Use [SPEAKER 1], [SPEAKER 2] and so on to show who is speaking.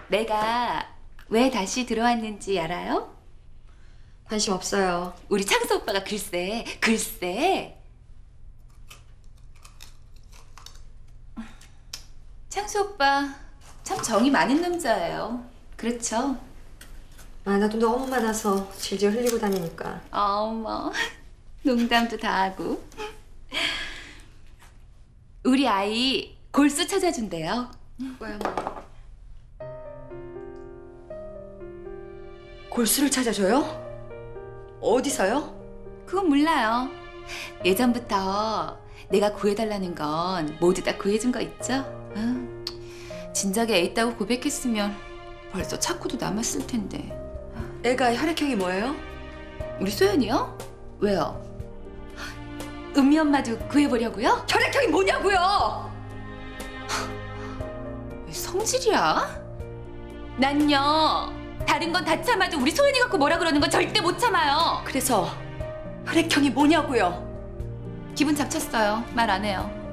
[SPEAKER 1] 내가 왜 다시 들어왔는지 알아요?
[SPEAKER 2] 관심 없어요.
[SPEAKER 1] 우리 창수 오빠가 글쎄. 창수 오빠 참 정이 많은 남자예요. 그렇죠?
[SPEAKER 2] 아, 나도 너무 많아서 질질 흘리고 다니니까.
[SPEAKER 1] 어머, 농담도 다 하고. 우리 아이 골수 찾아준대요.
[SPEAKER 2] 뭐야 뭐. 골수를 찾아줘요? 어디서요?
[SPEAKER 1] 그건 몰라요. 예전부터 내가 구해달라는 건 모두 다 구해준 거 있죠? 응. 진작에 애 있다고 고백했으면 벌써 찾고도 남았을 텐데.
[SPEAKER 2] 애가 혈액형이 뭐예요?
[SPEAKER 1] 우리 소연이요? 왜요? 은미 엄마도 구해보려고요?
[SPEAKER 2] 혈액형이 뭐냐고요?
[SPEAKER 1] 왜 성질이야? 난요, 다른 건 다 참아도 우리 소연이 갖고 뭐라 그러는 건 절대 못 참아요.
[SPEAKER 2] 그래서 혈액형이 뭐냐고요?
[SPEAKER 1] 기분 잡쳤어요. 말 안 해요.